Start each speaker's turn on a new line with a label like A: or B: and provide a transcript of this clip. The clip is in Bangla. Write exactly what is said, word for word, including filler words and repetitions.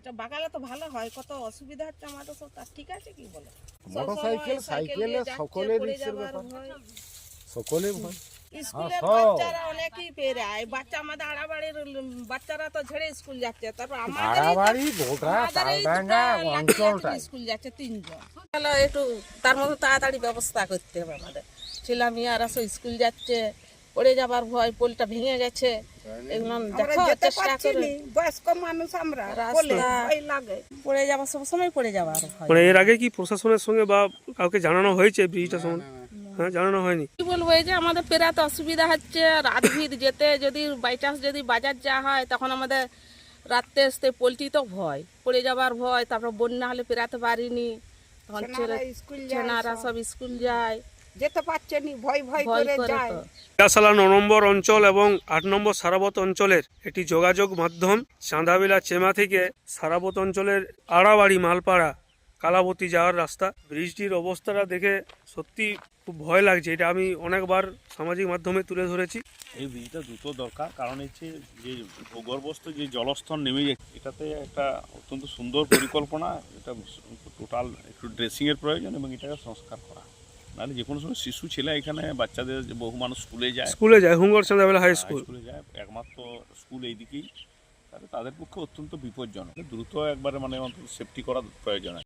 A: বাগালে তো ভালো হয়, কত অসুবিধা হচ্ছে আমাদের সব। তার ঠিক আছে কি বলে,
B: মোটরসাইকেল সাইকেলে সকলের রিস্কের ব্যাপার, সকলে ভয়।
A: স্কুলের
B: হ্যাঁ, সব।
A: বাচ্চারা অনেকেই পেরায়, বাচ্চা আমাদের আড়াবাড়ির বাচ্চারা তো ঝেড়ে স্কুল যাচ্ছে, তারপর
B: আড়াবাড়ি গোটা তালডাঙ্গা অঞ্চলটাই
A: স্কুল যাচ্ছে তিনজন। তাহলে একটু তার মধ্যে তাড়াতাড়ি ব্যবস্থা করতে হবে আমাদের। ছেলে মেয়েরা সব স্কুল যাচ্ছে, পড়ে যাবার ভয়, পোলটা ভেঙে গেছে, এগুলো দেখো চেষ্টা করে। বয়স্ক মানুষ আমরা, রাস্তা লাগে পড়ে যাবার, সব সময় পড়ে যাবার ভয়।
C: মানে এর আগে কি প্রশাসনের সঙ্গে বা কাউকে জানানো হয়েছে ব্রিজটা সম্বন্ধে? হ্যাঁ, জানানো হয়নি।
A: কি বলবো, এই যে আমাদের পেরাতে অসুবিধা হচ্ছে, রাত ভিড় যেতে, যদি বাই চান্স যদি বাজার যাওয়া হয় তখন আমাদের রাত্রে আসতে পোলট্রি তো ভয়, পড়ে যাবার ভয়, তারপর বন্যা হলে পেরাতে পারিনি, তখন ছেনারা সব স্কুল যায়, যেতে পারছে নি, ভয় ভয় করে যায়।
C: পিয়াশালা ন নম্বর অঞ্চল এবং আট নম্বর সারাবত অঞ্চলের একটি যোগাযোগ মাধ্যম। চাঁদাবিলা চেমা থেকে সারাবত অঞ্চলের আড়াবাড়ি মালপাড়া কালাবতী যাওয়ার রাস্তা। ব্রিজটির অবস্থাটা দেখে সত্যি খুব ভয় লাগছে। এটা আমি অনেকবার সামাজিক মাধ্যমে তুলে ধরেছি।
D: এই ব্রিজটা দ্রুত দরকার, কারণ হচ্ছে যে ভূগর্ভস্থ যে জলস্তর নেমে যাচ্ছে, এটাতে একটা অত্যন্ত সুন্দর পরিকল্পনা। এটা টোটাল একটু ড্রেসিংয়ের প্রয়োজন এবং এটাকে সংস্কার করা, নাহলে যে কোনো সময় শিশু ছেলে এখানে, বাচ্চাদের যে বহু মানুষ স্কুলে যায়
C: স্কুলে যায় হুঙ্গর চাঁদাবিলা হাই স্কুল
D: স্কুলে যায়, একমাত্র স্কুল এইদিকেই, তাহলে তাদের পক্ষে অত্যন্ত বিপজ্জনক। দ্রুত একবারে মানে অন্তত সেফটি করা প্রয়োজন।